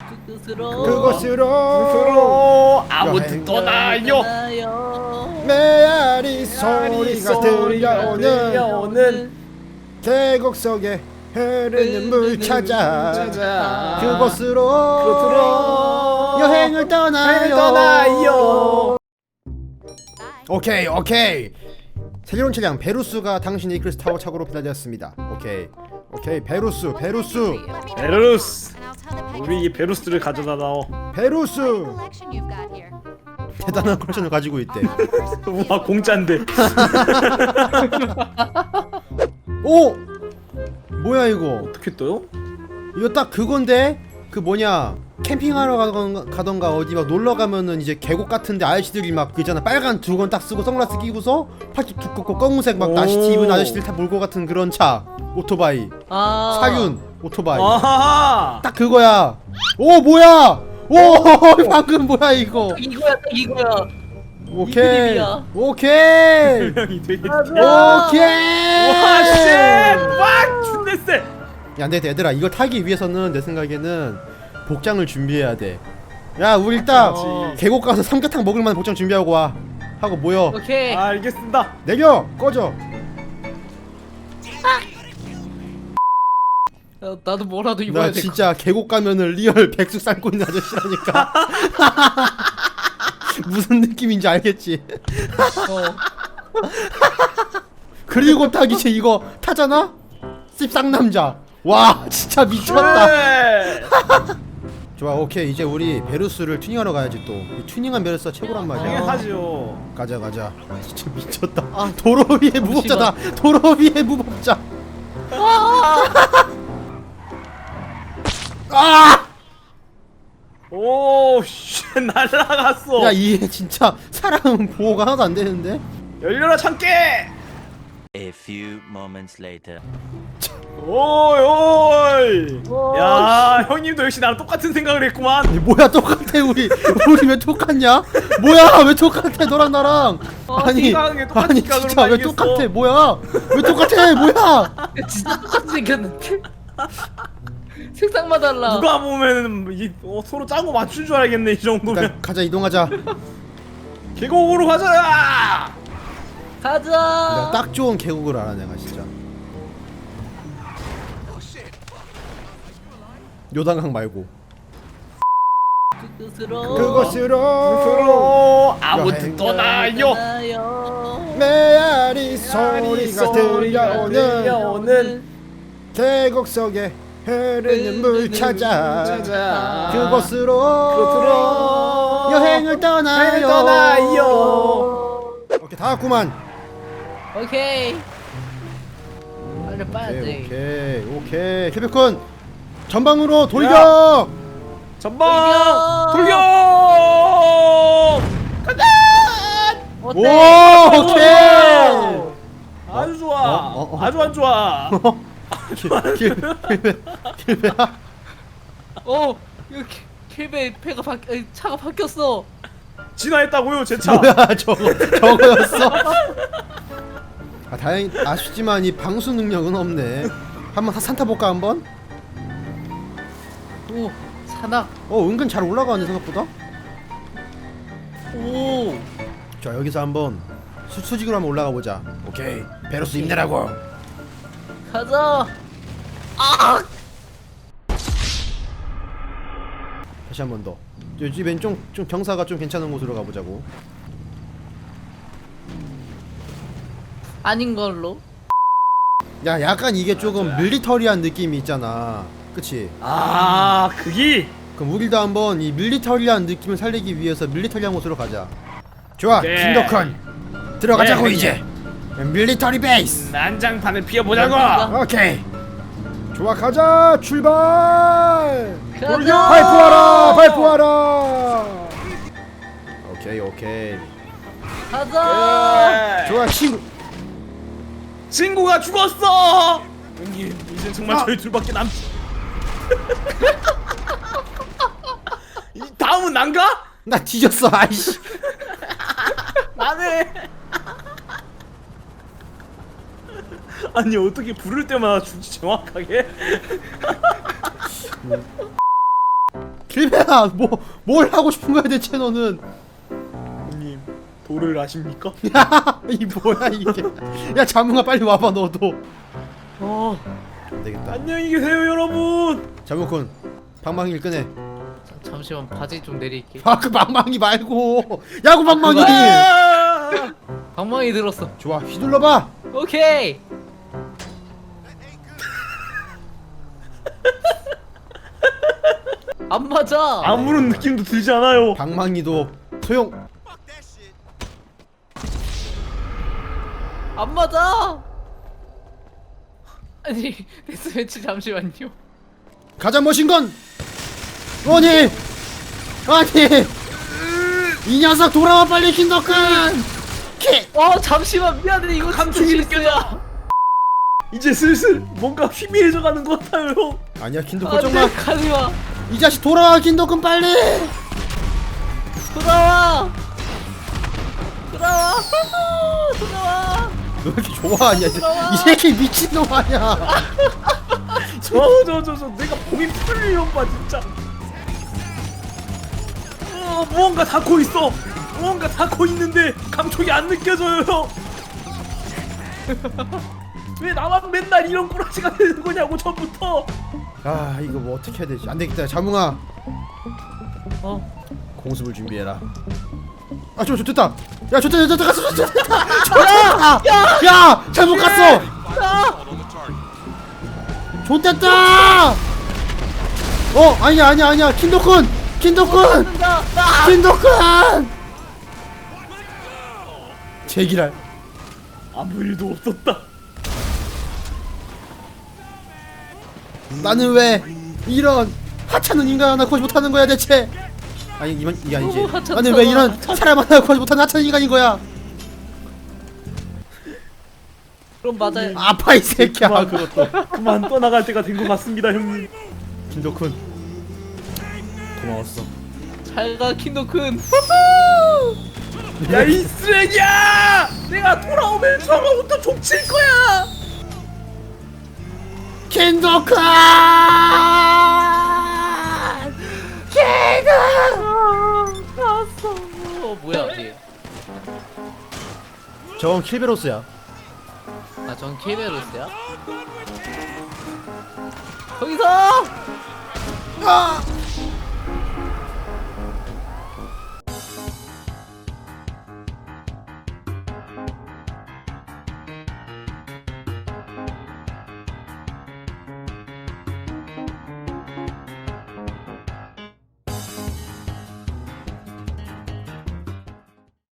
그곳으로 아무튼 떠나요. 메아리 소리가 들려오는 계곡 속에 흐르는 물 찾아 그곳으로 여행을 떠나요. 오케이 새로운 차량 베루스가 당신의 이클리스 타워 차고로 배달되었습니다. 오케이 베루스 우리 이 베루스를 가져다 놔. 베루스 대단한 컬렉션을 가지고 있대. 우와 공짜인데. 오! 뭐야 이거? 어떻게 떠요? 이거 딱 그건데? 그 뭐냐 캠핑하러 가던가 어디 막 놀러 가면은 이제 계곡 같은데 아저씨들이 막 그잖아 빨간 두건 딱 쓰고 선글라스 끼고서 팔뚝 두껍고 검은색 막 나시티 입은 아저씨들 다 몰고 같은 그런 차 오토바이 사륜 오토바이 아하하. 딱 그거야. 오 뭐야? 오 방금 뭐야 이거? 이거야. 오케이 이름이야. 오케이 형이 되게. 오케이. 와 쉣. 와 준대 쎄. 야, 근데 얘들아 이거 타기 위해서는 내 생각에는 복장을 준비해야 돼. 야, 우리 일단 계곡 가서 삼계탕 먹을 만한 복장 준비하고 와. 하고 모여. 오케이. 알겠습니다. 내려 꺼져. 나도 뭐라도 입어야 나 돼. 진짜 계곡 가면은 리얼 백숙 삶고 있는 아저씨라니까. 무슨 느낌인지 알겠지? 그리고 딱 이제 이거 타잖아? 씹쌍남자. 와 진짜 미쳤다. 네. 좋아 오케이 이제 우리 베루스를 튜닝하러 가야지 또. 이 튜닝한 베루스가 최고란 말이야. 당연하죠. 가자. 진짜 미쳤다. 도로 위에 무법자다. 도로 위에 무법자. 아! 오 쉣 날라갔어. 야, 얘 진짜 사람 보호가 하나도 안 되는데. 열려라 참깨. A few moments later. 오이. 야 형님도 역시 나랑 똑같은 생각을 했구만. 아니, 뭐야 똑같아 우리 왜 똑같냐? 뭐야 왜 똑같아 너랑 나랑? 생각하는 게 똑같으니까 아니 그런 진짜 거 왜 아니겠어? 똑같아? 뭐야 왜 똑같아? 뭐야? 진짜 똑같이 생겼는데. 색상만 달라. 누가 보면은 서로 짠거 맞춘 줄 알겠네 이 정도면. 일단 가자 이동하자. 계곡으로 가자. 내가 가자. 딱 좋은 계곡을 알아 내가 진짜. 요단강 말고. 그곳으로 아무튼 떠나요. 메아리 소리가 들려오는 계곡 속에 흐르는 물 찾아 그곳으로 여행을 떠나요. 오케이 다 왔구만. 오케이. 빨리 빠야지. 오케이 캐비콘 전방으로 돌격. 전방 돌격. 간다. 오 오케이. 아주 좋아. 아주 안 좋아. 길배야. 이거 킬베 차가 바뀌었어. 진화했다고요 제 차. 뭐야 저거였어? 아 다행 아쉽지만 이 방수 능력은 없네. 한번 산타 볼까 한번? 오 산악. 은근 잘 올라가네 생각보다. 오. 자 여기서 한번 수직으로 한번 올라가 보자. 오케이 베루스 힘내라고. 가자. 아. 다시 한 번 더. 여기 왼쪽 좀 경사가 좀 괜찮은 곳으로 가보자고. 아닌 걸로. 야 약간 이게 조금 밀리터리한 느낌이 있잖아. 그치? 아 그기. 그럼 우리도 한번 이 밀리터리한 느낌을 살리기 위해서 밀리터리한 곳으로 가자. 좋아 김덕헌 들어가자고 네, 이제. 밀리터리 베이스. 난장판을 피워보자고. 오케이 좋아 가자 출발. 가자. 발포하라. 오케이 가자. 좋아 친구가 죽었어. 형님 이제 정말 저희 둘밖에 남지. 다음은 난가? 나 뒤졌어 아이씨. 나네. 아니 어떻게 부를 때마다 죽지 정확하게? 킬베야 뭘 하고 싶은 거야 대체 너는? 형님 도를 아십니까? 이 뭐야 이게? 야 자몽아 빨리 와봐 너도. 안 되겠다. 안녕히 계세요 여러분. 자몽군 방망이를 꺼내. 잠시만 바지 좀 내릴게. 아 그 방망이 말고 야구 방망이. 아! 방망이 들었어. 좋아 휘둘러봐. 오케이. 안 맞아. 아무런 느낌도 들지 않아요. 방망이도 소용. 안 맞아. 아니 데스매치 잠시만요. 가장 멋진건 아니 이 녀석 돌아와 빨리 킨더큰. 잠시만 미안해 이거 감촉이 진짜 실수야. 이제 슬슬 뭔가 희미해져 가는 것 같아요 형. 아니야 킨더큰 안돼 좀만. 가지마. 이 자식 돌아와 킨더큰 빨리. 돌아와. 돌아와. 너 왜 이렇게 좋아하냐 돌아와. 이 새끼 미친놈 아니야. 저 내가 몸이 풀리는 봐 진짜. 무언가 닿고 있어. 무언가 닿고 있는데 감촉이 안 느껴져요 형. 왜 나만 맨날 이런 꼬라지가 되는 거냐고 전부터. 아 이거 뭐 어떻게 해야 되지? 안 되겠다 자몽아 공습을 준비해라. 아 됐다. 야 좋다 갔어 좋다. 야 잘못 갔어. 좋댔다. 아니야 킨더큰 제기랄. 아무 일도 없었다. 나는 왜 이런 하찮은 인간 하나 구하지 못하는 거야 대체? 아니 이게 아니지. 너무 하찮잖아. 나는 왜 이런 사람 하나 구하지 못하는 하찮은 인간인 거야? 그럼 맞아요. 아파 이 새끼야. 그것도. 그만 떠나갈 때가 된 것 같습니다 형님. 김도쿤 고마웠어. 잘가 킨도큰. 야 이 쓰레기야! 내가 돌아오면 저거부터 족칠 거야. 킨도큰 나왔어. 뭐야 뒤에? 저건 킬베로스야. 전 케베로스야. 거기서. 아!